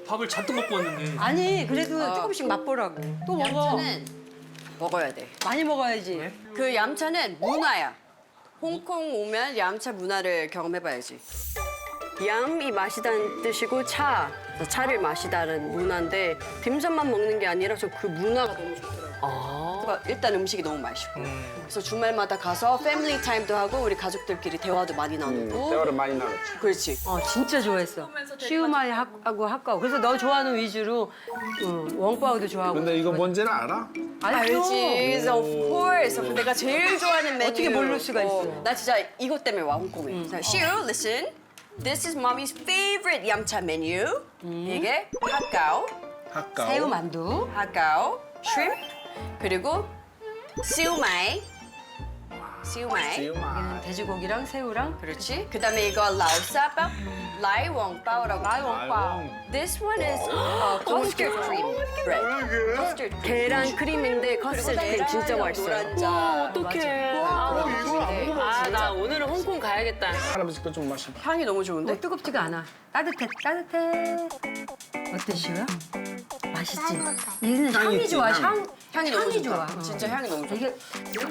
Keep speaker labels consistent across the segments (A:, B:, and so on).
A: 밥을 잔뜩 먹고 왔는데.
B: 아니 그래도 조금씩 맛보라고. 또 먹어.
C: 얌차는 먹어야 돼.
B: 많이 먹어야지.
A: 네?
C: 그 얌차는 문화야. 홍콩 오면 얌차 문화를 경험해봐야지. 얌이 마시다는 뜻이고 차를 마시다는 문화인데 딤섬만 먹는 게 아니라 저 그 문화가 너무 좋더라고요. 그러니까 일단 음식이 너무 맛있고 그래서 주말마다 가서 패밀리 타임도 하고 우리 가족들끼리 대화도 많이 나누고
D: 대화를 많이 나눴지.
C: 그렇지.
B: 진짜 좋아했어. 시우마이 하고 학과고. 그래서 너 좋아하는 위주로 웡빠오도 좋아하고.
D: 근데 이거 뭔지는 알아?
C: 알지, of course. 내가 제일 좋아하는 메뉴.
B: 어떻게 모를 수가 있어.
C: 나 진짜 이것 때문에 와 홍콩에. 자, 시우, listen. This is mommy's favorite 얌차 menu. 이게 핫가오,
D: 학가.
B: 새우 만두.
C: 핫가오, shrimp, 그리고 시우마이. 시우마이.
B: 여기는 돼지고기랑 새우랑.
C: 그렇지. 그다음에 이거 라오사밥, 라이웡바오라고.
B: 라이웡바오.
C: This one is custard cream bread. custard cream. 계란 크림인데 custard cream 진짜 맛있어요.
E: 어떡해. 나 오늘은 홍콩 가야겠다.
D: 할아버지 거 좀 마셔봐.
C: 향이 너무 좋은데?
B: 뜨겁지가 않아. 따뜻해, 따뜻해. 어때, 시우야? 맛있지? 얘는 향이 좋아,
C: 향이 너무 좋다.
B: 좋아.
C: 진짜 향이 너무 좋아.
B: 이게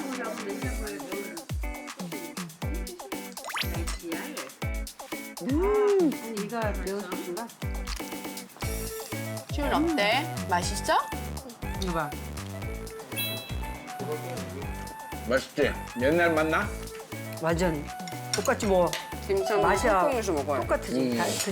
B: 이가 매운맛인가?
C: 시우는 어때? 맛있어?
B: 이거 봐.
D: 맛있지? 옛날 맛나?
B: 완전 똑같이 뭐
C: 김치
B: 맛이야.
C: 홍콩에서 먹어요.
B: 똑같지.